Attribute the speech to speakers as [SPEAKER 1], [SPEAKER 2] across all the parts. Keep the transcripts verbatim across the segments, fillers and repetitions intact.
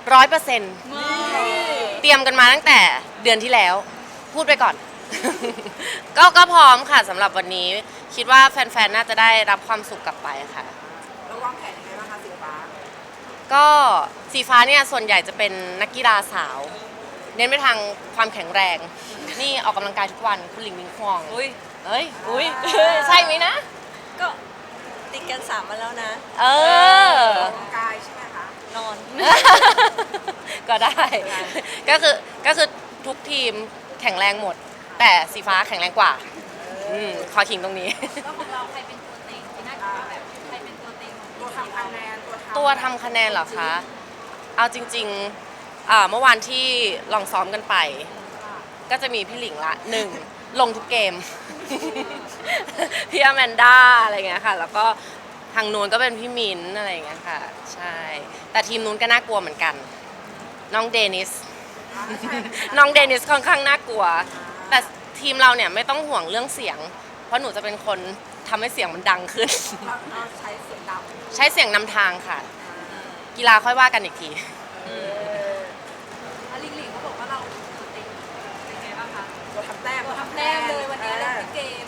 [SPEAKER 1] ร้อยเปอร์เซ็นต์เตรียมกันมาตั้งแต่เดือนที่แล้ว พูดไปก่อน ก็ก็พร้อมค่ะสำหรับวันนี้คิดว่าแฟนๆน่าจะได้รับความสุขกลับไปค่ะ
[SPEAKER 2] แล้ววางแผนยังไงบ้างคะสีฟ้า
[SPEAKER 1] ก็สีฟ้าเนี่ยส่วนใหญ่จะเป็นนักกีฬาสาว เน้นไปทางความแข็งแรง นี่ออกกำลังกายทุกวันคุณหลิงมิงควงอุ้ยเอ้ยอุ้ยใช่ไหมนะ
[SPEAKER 3] ก็ติดกันสามมาแล้วนะ
[SPEAKER 1] เออ
[SPEAKER 2] ออกกำลังกายใช่ไหมคะ
[SPEAKER 3] นอน
[SPEAKER 1] ก็ได้ ก็คือก็คือทุกทีมแข็งแรงหมด แต่สีฟ้าแข็งแรงกว่าอืมขอขิงตรงนี้
[SPEAKER 4] แล้วของเราใครเป็นตัวเต็งที่น่าจะแบบใครเป็นตัวเต็ง
[SPEAKER 2] ตัวทำคะแนน
[SPEAKER 1] ตัวทำคะแนนเหรอคะเอาจริงๆอ่าเมื่อวานที่ลองซ้อมกันไป ก็จะมีพี่หลิงละหนึ่งลงทุกเกม พี่อแมนด้าอะไรเงี้ยค่ะแล้วก็ทางนู้นก็เป็นพี่มินอะไรเงี้ยค่ะใช่แต่ทีมนู้นก็น่ากลัวเหมือนกันน้องเดนิสน้องเดนิสค่อนข้างน่ากลัวแต่ทีมเราเนี่ยไม่ต้องห่วงเรื่องเสียงเพราะหนูจะเป็นคนทำให้เสียงมันดังขึ้น
[SPEAKER 2] เราใช้เสียงดัง
[SPEAKER 1] ใช้เสียงนำทางค่ะกีฬาค่อยว่ากันอีกที
[SPEAKER 4] ลิงลิงเขาบอกว่าเราตัวเต็งเป็นไงบ้างคะ
[SPEAKER 2] ตัวทำแต้ม
[SPEAKER 4] ตัวทำแต้มเลยวันนี้เล่นเกม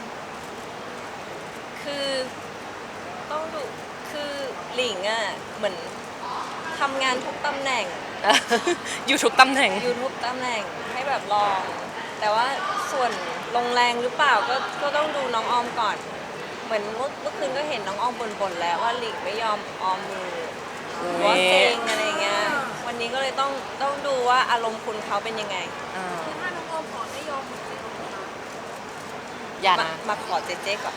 [SPEAKER 3] คือต้องดูคือหลิงอ่ะเหมือนทำงานทุกตำแหน่ง
[SPEAKER 1] อยู่ทุกตำแหน่ง
[SPEAKER 3] อยู่ทุกตำแหน่งให้แบบลองแต่ว่าส่วนลงแรงหรือเปล่าก็ก็ต้องดูน้องออมก่อนเหมือนเมื่อเมื่อคืนก็เห็นน้องออมบ่นๆแล้วว่าหลิงไม่ยอมออมมือว่าเซ็งอะไรเงี้ยวันนี้ก็เลยต้องต้องดูว่าอารมณ์คุณเขาเป็นยังไง
[SPEAKER 4] คือถ้าน้องออมขอไม่ยอมเหมือนจะลงมา
[SPEAKER 1] อย่า
[SPEAKER 3] นะมาขอเจ๊เจ๊ก่อน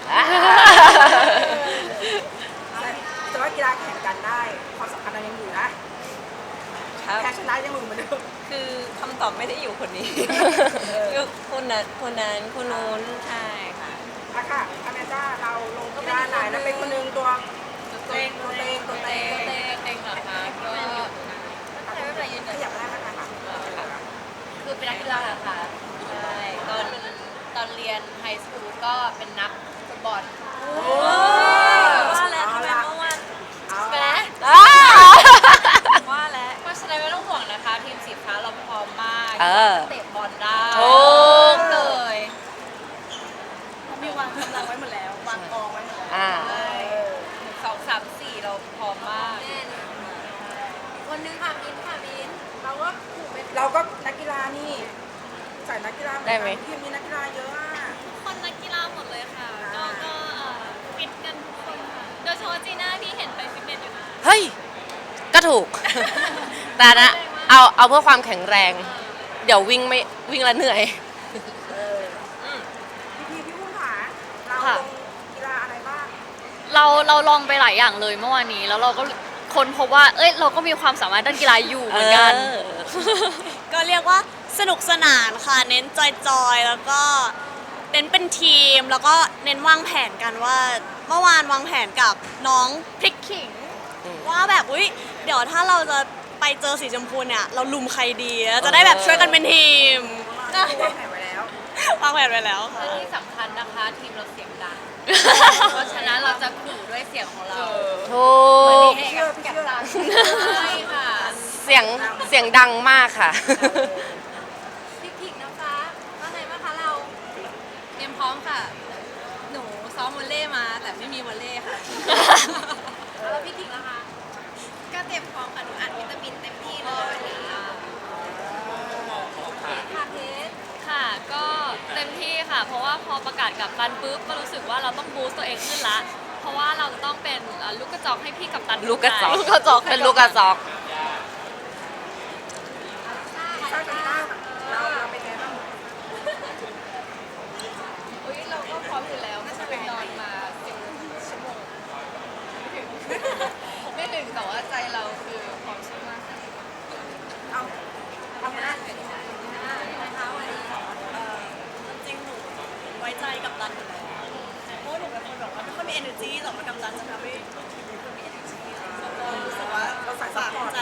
[SPEAKER 2] แต่ว่ากีฬาแข่งกันได้ความสำคัญยังอยู่นะแพ้ชนะยังมือเหมือนเดิม
[SPEAKER 3] คือคำตอบไม่ได้อยู่คนนี้คนนั้นคนนั้นคนนู้นใช่ค่ะ
[SPEAKER 2] อะค่ะอแมนด้าเราลงกีฬาไหนแล้วเป็นคนนึงตัวตัวเองตัวเองตัวเอง
[SPEAKER 4] เต็งเต็งเหรอคะก็ใช้ไม่เป็นไรยืน
[SPEAKER 2] ขยับได้ไหมคะ
[SPEAKER 4] คือเป็นนักกีฬาค่ะใช่ตอนตอนเรียนไฮสคูลก็เป็นนักฟุตบอล
[SPEAKER 3] ว่าแล้วทำไมเมื่อวาน
[SPEAKER 4] แหม
[SPEAKER 3] ว่าแล้ว
[SPEAKER 4] เพราะฉะนั้นไม่ต้องห่วงนะคะทีมสีฟ้าเราพร้อมมากเตะบอลได้
[SPEAKER 1] ทุก
[SPEAKER 4] เลยเขามีวางกำลังไว้หมดแล้ววางกองไว้หมดแล้วสองสามสี่เราพร้อมมากวันนึงค่ะมินค่ะมินเราก็
[SPEAKER 2] เราก็นักกีฬานี่ใส่นักกีฬา
[SPEAKER 1] ได้ไหม
[SPEAKER 2] ทีมมีนักกีฬาเยอะอ่ะ
[SPEAKER 4] คนนักกีฬาหมดเลยค่ะก็ก็ฟิตกันทุกคนค่ะโดยเฉพาะจีน่าที่เห็นไปฟิตเนสอยู่นะ
[SPEAKER 1] เฮ้ยก็ถูกแต่นะเอาเอาเพื่อความแข็งแรงเดี๋ยววิ่งไม่วิ่งแล้วเหนื่อย
[SPEAKER 2] พี่พี่พุ่งหาเราลงกีฬาอะไรบ้าง
[SPEAKER 4] เราเราลองไปหลายอย่างเลยเมื่อวานนี้แล้วเราก็ค้นพบว่าเอ้ยเราก็มีความสามารถด้านกีฬาอยู่เหมือนกัน
[SPEAKER 3] ก็เรียกว่าสนุกสนานค่ะเน้นจอยๆแล้วก็เน้นเป็นทีมแล้วก็เน้นวางแผนกันว่าเมื่อวานวางแผนกับน้องพริกขิงว่าแบบอุ้ยเดี๋ยวถ้าเราจะไปเจอสีชมพูเนี่ยเราลุมใครดีจะได้แบบช่วยกันเป็นทีม
[SPEAKER 2] วางแผนไว้แล้ว
[SPEAKER 3] วางแผนไว้แล้วค่ะ
[SPEAKER 4] ที่สำคัญนะคะทีมเราเสียงดังเพราะฉะนั้นเราจะขู่ด้วยเสียงของเรา
[SPEAKER 1] ถูก
[SPEAKER 2] เชื่อเชื่อ
[SPEAKER 4] ใช่ค่ะ
[SPEAKER 1] เสียงเสียงดังมากค่ะ
[SPEAKER 4] พริกขิงนะคะว่าไงบ้างคะเราเตรียมพร้อมค่ะหนูซ้อมวอลเล่มาแต่ไม่มีวอลเล่ค่ะแล้วพี่ขิงล่ะคะก็เตรียมพร้อมค่ะหนูอัดวิตามินเต็มที่เลยวันนี้ค่ะเพชรค่ะก็เต็มที่ค่ะเพราะว่าพอประกาศกับตันปุ๊บก็รู้สึกว่าเราต้องบูสต์ตัวเองขึ้นละเพราะว่าเราจะต้องเป็นลูกกระจอกให้พี่กับตัน
[SPEAKER 1] ลูกกระจอกลูกกระจอกเป็นลูกกระจอก
[SPEAKER 2] เราเป็นไงบ้าง
[SPEAKER 4] อุ้ยเราก็พร้อมอยู่แล้วไม่ใช่ไปนอนมาสิบชั่วโมงไม่ถึงแต่ว่าใจเราคือพร้อมชั่วมาก
[SPEAKER 2] เอาทำงาน
[SPEAKER 4] นะคะวันนี้
[SPEAKER 3] จริงหนูไว้ใจกับตันอยู่แล้วเพราะหนูเป็นคนแบบว่าไม่ค่อยมี energy แต่ว่ากับตันจะทำให้ทีมมี energy รู้สึกว่า
[SPEAKER 2] เราใส่ซัพพอร์ต
[SPEAKER 3] ใจ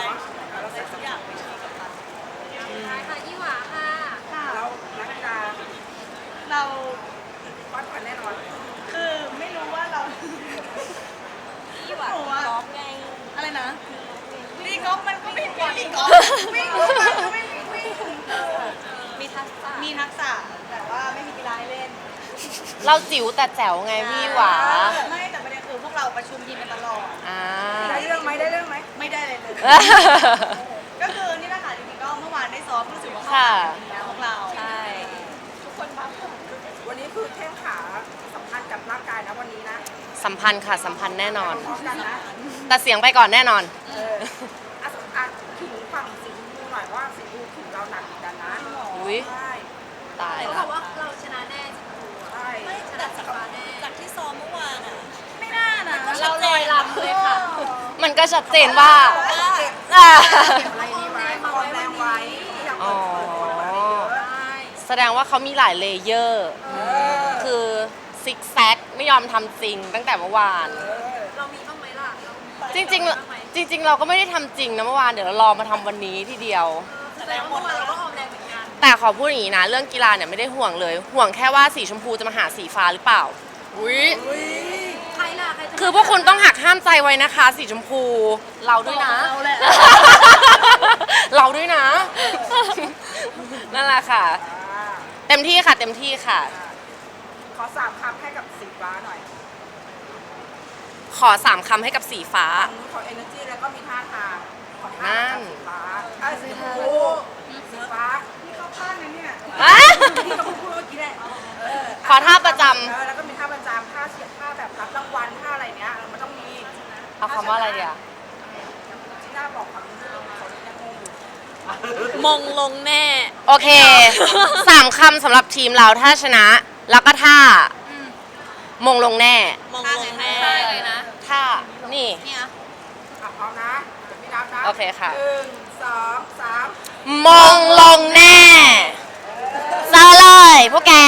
[SPEAKER 2] วิ่งวิ่งวิ่งวิ่ง
[SPEAKER 3] มีทักษะมีทักษะแต่ว่าไม่มีกีฬาให้เล่น
[SPEAKER 1] เราจิ๋วแต่แจ๋วไงพี่หวา
[SPEAKER 3] ไม่แต่ประเด็นคือพวกเราประชุมทีมกันตลอด
[SPEAKER 1] อ่า
[SPEAKER 2] ได้เรื่องไหมได้เรื่องไหม
[SPEAKER 3] ไม่ได้เลยเลย ก็คือนี่แหละค่ะจริงๆก็เมื่อวานได้ซ้อมรู้สึกว่าเข้า
[SPEAKER 1] ค่ะ
[SPEAKER 3] หากันแล้วพวกเราใช่
[SPEAKER 2] ทุกคนพักผ่อนวันนี้คือแข้งขาสัมพันธ์กับร่างกายนะวันนี้นะ
[SPEAKER 1] สัมพันธ์ค่ะสัมพันธ์แน่นอน
[SPEAKER 2] พร้อมกันนะ
[SPEAKER 1] แต่เสียงไปก่อนแน่นอน
[SPEAKER 2] เอออ่ะอ่ะถึงฝั่งสีชมพูหน่อยว่าสีชมพูถึงเราหนักเหมือนกันนะ
[SPEAKER 1] อุ๊ย
[SPEAKER 2] ใช่
[SPEAKER 1] ตาย
[SPEAKER 4] เขาบ
[SPEAKER 1] ละ
[SPEAKER 4] อกว่าเราชนะแน่จริง
[SPEAKER 2] ใช่
[SPEAKER 4] ชนะสีฟ้าแน่
[SPEAKER 3] จากที่ซ้อมเมื่อวานอ่ะไม่น่านะ
[SPEAKER 4] เราลอยลำเลยค่ะ
[SPEAKER 1] มันก็ชัดเจนว่า
[SPEAKER 2] เก็บ
[SPEAKER 1] อ่า
[SPEAKER 2] อะไรนี่ไว้คอมแรงไว้อยากเปิดเผยคนอะไรเยอะ
[SPEAKER 4] ใช่
[SPEAKER 1] แสดงว่าเขามีหลายเลเยอร์
[SPEAKER 2] เออ
[SPEAKER 1] คือซิกแซกไม่ยอมทำจริงตั้งแต่เมื่อวาน
[SPEAKER 2] เออ
[SPEAKER 4] เรามีบ้างไหมล่ะเรา
[SPEAKER 1] จริงๆ จริง ๆ เราก็ไม่ได้ทำจริงนะเมื่อวานเดี๋ยวเรารอมาทำวันนี้ทีเดียว
[SPEAKER 4] แสดงว่าเราก็ออมแรงเหมือนกัน
[SPEAKER 1] แต่ขอพูดอย่างนี้นะ เรื่องกีฬาเนี่ยไม่ได้ห่วงเลย ห่วงแค่ว่าสีชมพูจะมาหาสีฟ้าหรือเปล่าอุ้ย
[SPEAKER 2] อุ้ย
[SPEAKER 4] ใครล่ะใครจะ
[SPEAKER 1] คือพวกคุณต้องหักห้ามใจไว้นะคะ สีชมพู เราด้วยนะ
[SPEAKER 4] เราแหละ
[SPEAKER 1] เราด้วยนะ นั่นแหละค่ะ
[SPEAKER 2] อ่า
[SPEAKER 1] เต็มที่ค่ะ เต็มที่ค่ะ
[SPEAKER 2] ขอสามคำให้กับสีฟ้าหน่อย
[SPEAKER 1] ขอสามคำให้กับสีฟ้า
[SPEAKER 2] ฝั่งนู้นขอ energy แล้วก็มีท่าทางขอท่า
[SPEAKER 1] นั่
[SPEAKER 2] ทาง
[SPEAKER 1] น
[SPEAKER 2] สีฟ้าไอ้ยสีชมพูสีฟ้านี่เข้าข้างนะเนี่ย
[SPEAKER 1] อ่ะ
[SPEAKER 2] ที่เราพูดเมื่อกี้แหละเออ
[SPEAKER 1] ขอท่าประจำ
[SPEAKER 2] เออแล้วก็มีท่าประจำท่าเฉียดท่าแบบรับรางวัลท่าอะไรเนี้ยมันต้องมี
[SPEAKER 1] เอาคำว่าอะไรเดียว
[SPEAKER 2] ที่น่าบอกคำนี้เขายังงงอยู่
[SPEAKER 3] มงลงแน่
[SPEAKER 1] โอเค สามคำสำหรับทีมเราถ้าชนะ แล้วก็ท่า มงลงแน่
[SPEAKER 3] มงลงแน่
[SPEAKER 4] ใช่เลยนะ
[SPEAKER 1] ท่า นี่
[SPEAKER 3] เนี่ย
[SPEAKER 2] อ่ะพร้อมนะพี่นับนะ
[SPEAKER 1] โอเคค่ะ
[SPEAKER 2] หนึ่งสองสาม
[SPEAKER 1] มงลงแน่เซอเลยพวกแก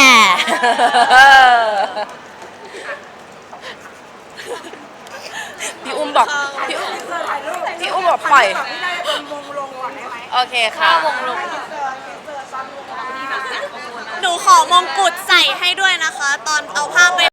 [SPEAKER 1] พี่อุ้มบอก พี่อุ้ม
[SPEAKER 2] เสื้อถ่ายรูป
[SPEAKER 1] พี่อุ้มบอกปล่อย
[SPEAKER 2] ถ่ารูปแบบนี้ได้เป็นมงลงก่อนได้ไหม
[SPEAKER 1] โอเคค่ะ
[SPEAKER 2] มงลงเสื้อเสื้อซ้อนมงลงนี่แบบ
[SPEAKER 3] หนูขอมงกุฎใส่ให้ด้วยนะคะ ตอนเอาผ้าไป